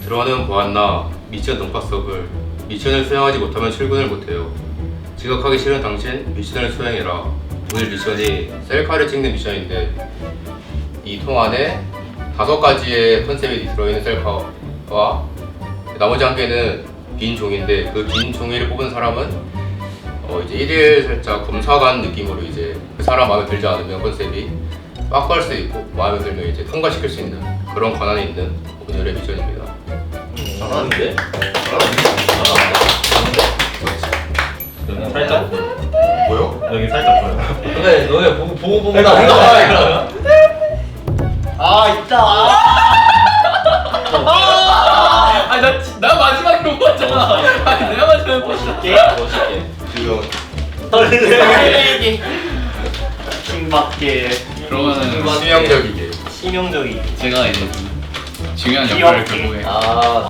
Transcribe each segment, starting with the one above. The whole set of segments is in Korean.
들어는 보았나 미션 동파석을 미션을 수행하지 못하면 출근을 못해요. 지각하기 싫은 당신 미션을 수행해라. 오늘 미션이 셀카를 찍는 미션인데 이 통 안에 5가지의 컨셉이 들어있는 셀카와 나머지 한 개는 빈 종이인데 그 빈 종이를 뽑은 사람은 이제 1일 살짝 검사관 느낌으로 이제 그 사람 마음에 들지 않으면 컨셉이 빠꾸할 수 있고 마음에 들면 이제 통과시킬 수 있는 그런 권한이 있는 오늘의 미션입니다. 잘하는데? 여기 살짝 뭐요? 여기 살짝 보여. 근데 너네 보고 나 나 아 있다. 아니 나 마지막에 못 봤잖아. 아니 내가 마지막에 멋있게 지금 떨리게 킹받게 그러면은 치명적이게 치명적이게 제가 이제 중요한 역할을 결국에 아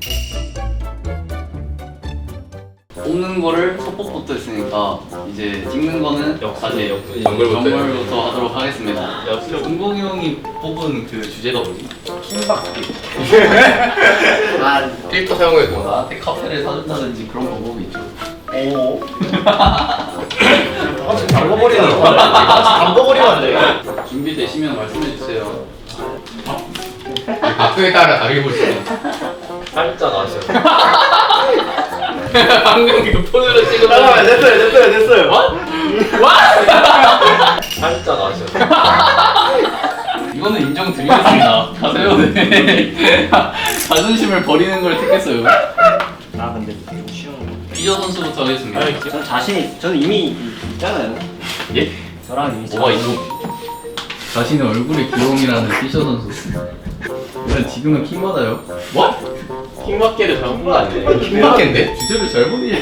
뽑는 거를 속법부터 했으니까 이제 찍는 거는 역사제 정글부터 하도록 하겠습니다. 역시 은봉이 형이 뽑은 그 주제가 뭐지? 아, 필터 사용해도 나한테 카페를 사준다든지 그런 방법이 있죠. 오 같이 담궈버리는 거. 같이 담궈버리면 안 돼. 준비되시면 말씀해 주세요. 악수에 따라 다르게 볼 수 있는 살짝 아쉬워. 방금 그 폰으로 찍은 잠깐만 됐어요. 살짝 아쉬워. 이거는 인정드리겠습니다. 가세요. 네. 자존심을 버리는 걸 택했어요. 아 근데 좀 쉬운 거. 피저 선수부터 하겠습니다. 저는 자신이 저는 이미 있잖아요. 예? 저랑 이미 뭐가 있어? 자신의 얼굴의 귀여움이라는 피저 선수. 일단 지금은 킹 받아요. 뭐? 킹받게를 잘못 본거 아니네. 킹받겠는데? 주제를 잘못 이해.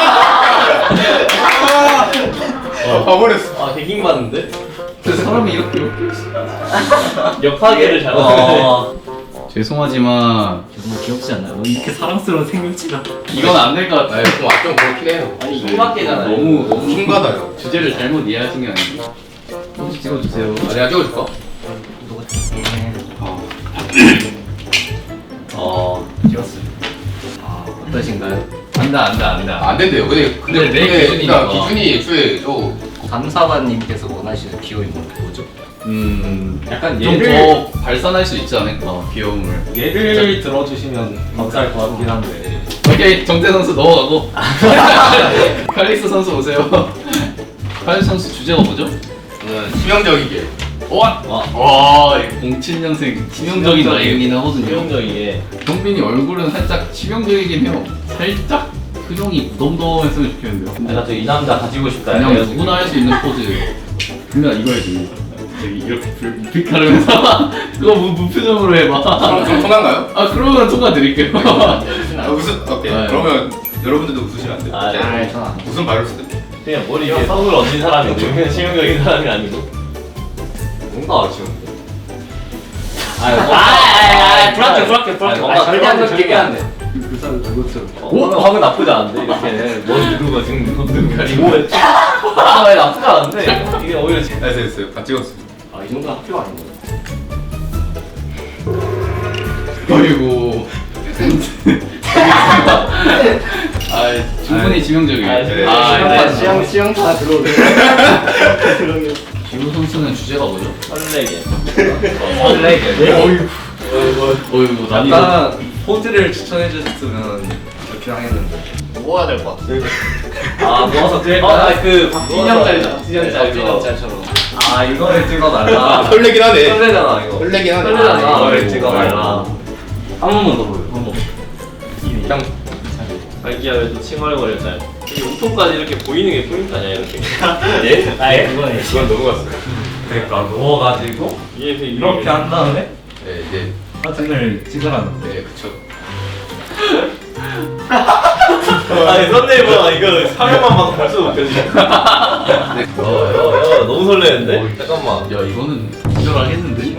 봐버렸어. 아 개킹 받는데? 그 사람이 이렇게 역사계를 잘못 봤네. 죄송하지만 너무 귀엽지 않나요? 너무 이렇게 사랑스러운 생명체가. 이건 안 될 것 같아요. 좀 그렇긴 해요. 아니 킹받게잖아요. 너무 킹받아요. 주제를 잘못 이해하신 게 아니고 혹시 찍어주세요. 내가 찍어줄까? 찍었어요. 어떠신가요? 안다. 안 된대요. 근데 내 기준이니까. 그러니까 기준이 애초에 감사관님께서 원하시는 귀여움이 뭐죠? 약간 좀 더 발산할 수 있지 않을까 귀여움을. 예를 들어주시면 감사할 것 같긴 한데. 오케이 정태 선수 넘어가고 칼릭스 선수 오세요. 칼릭스 선수 주제가 뭐죠? 저는 치명적이게 와 07년생 치명적인 나이긴 하거든요. 치명적이게. 경빈이 얼굴은 살짝 치명적이긴 해요. 살짝 표정이 무덤덤했으면 좋겠는데요. 내가 또 이 남자 가지고 싶다. 그냥 해가지고. 누구나 할 수 있는 포즈. 그러면 이거 해야지. 저기 이렇게 불빛 가르면서 그거 무표정으로 해봐. 좀 통한가요? 아 그러면 통과 드릴게요. 오케이. 네. 그러면 여러분들도 웃으시면 안 돼요. 아, 네. 저는 안 웃음 바를 수도 있고. 그냥 머리에 선을 얹은 사람인데 그냥 치명적인 사람이 아니고. 뭔가 아쉬운데. 불안해. 뭔가 절대 안 돼, 절대 안 돼. 그 사람 그것처럼. 오, 방금 나쁘지 않은데 이렇게 머리 누르고 지금 눈 가리고 아, 나쁘지 않은데 이게 오히려 됐어요. 다 찍었어요. 이 정도는 학교가 아닌 거예요. 어이구. 아 충분히 치명적이에요. 네. 시영타 들어오네. 기우 선수는 주제가 뭐죠? 설레게. 설레게. 어이구 난이도. 약간 포즈를 추천해 주셨으면 이렇게 하겠는데 모아야 될 것 같아. 아 모아서 돼. 그 박진영 짤처럼. 아 이거를 찍어달라. 설레긴 하네. 설레잖아 이거. 설레긴 하네. 설레잖아. 아, 이거를 찍어달라. 한 번만 더 보여. 한 번. 그냥 발기야 왜또 칭얼거렸잖아. 이 옷통까지 이렇게 보이는 게 포인트 아니야 이렇게. 예? 아예 그거네. 그건 넘어갔어요. 그러니까 누워가지고 이렇게 한 다음에 네, 이제 사진을 찍으라는 네, 그쵸. 아니 썬데이보다 이거 화면만 봐도 벌써 웃겨지네. 야 너무 설레는데? 잠깐만. 야 이거는 기절하겠는데?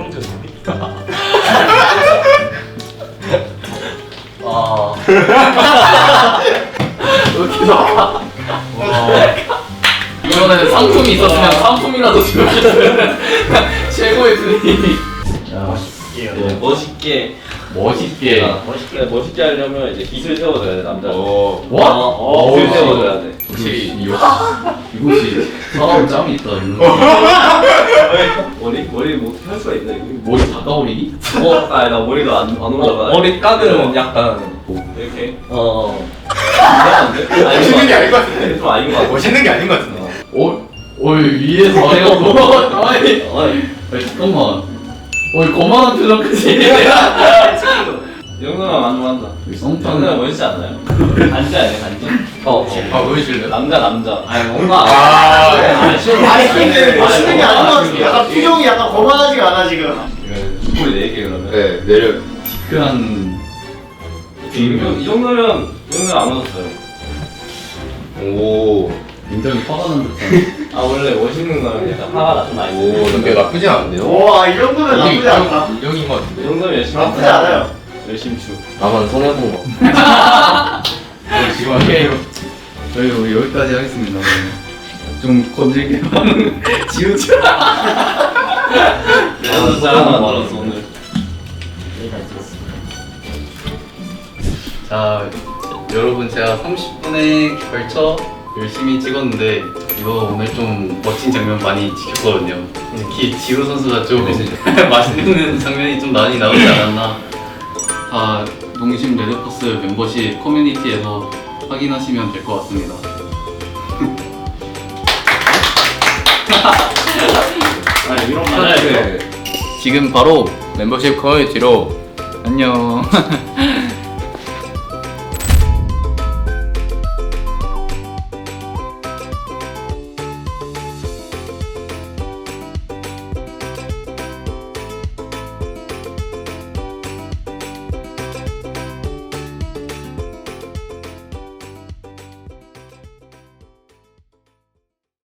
아. 이거는 상품이 있었으면 상품이라도 주겠어요. 최고의 플레이. 네, 멋있게 멋있게. 멋있게 하려면 이제 기술 세워줘야 돼 남자. 오. 기술 세워줘야 돼. 확실히 이곳이 사람 짬이 있다. 이런. 머리 뭐 어떻게 할 수가 있나 이거? 머리 다 까오리기? 아니 나 머리가 안 올라가. 머리 까는 약간 이렇게. 이상한데? 멋있는 게 아닌 것 같은데. 좀 아닌 것 같아. 멋있는 게 아닌 것 같은데. 위에서 해갖고. 아니 잠깐만. 거만한 표정 크지? 이 정도면 만족한다. 성탄은 멋있지 않나요? 간지 아니야 간지? 아 보여줄래요? 남자. 아니 뭔가 아니 멋있는 게 아닌 것 같은데 약간 표정이 약간 거만하지가 않아 지금. 우리 4개 그러면. 네 내려. 시크한 이 정도면 안 웃었어요. 오. 굉장히 화가 난 듯한. 아 원래 멋있는 거는 약간 화가 좀 많이 오 근데 나쁘진 않은데요? 와 이 정도면 나쁘지 않다. 여기인 것 이 같은데. 정도면 열심히 나쁘지 않아요. 열심히 추. 나만 손해본 거. 지금 하게. 저희 여기까지 하겠습니다. 좀 건질게 하는 지우쳐. 나도 짜증나 말았어 오늘. 자, 여러분 제가 30분에 걸쳐 열심히 찍었는데 이거 오늘 좀 멋진 장면 많이 찍혔거든요. 특히 지우 선수가 좀 맛있는 장면이 좀 많이 나오지 않았나. 다 농심 레드포스 멤버십 커뮤니티에서 확인하시면 될 것 같습니다. 이런 거 지금 바로 멤버십 커뮤니티로 안녕.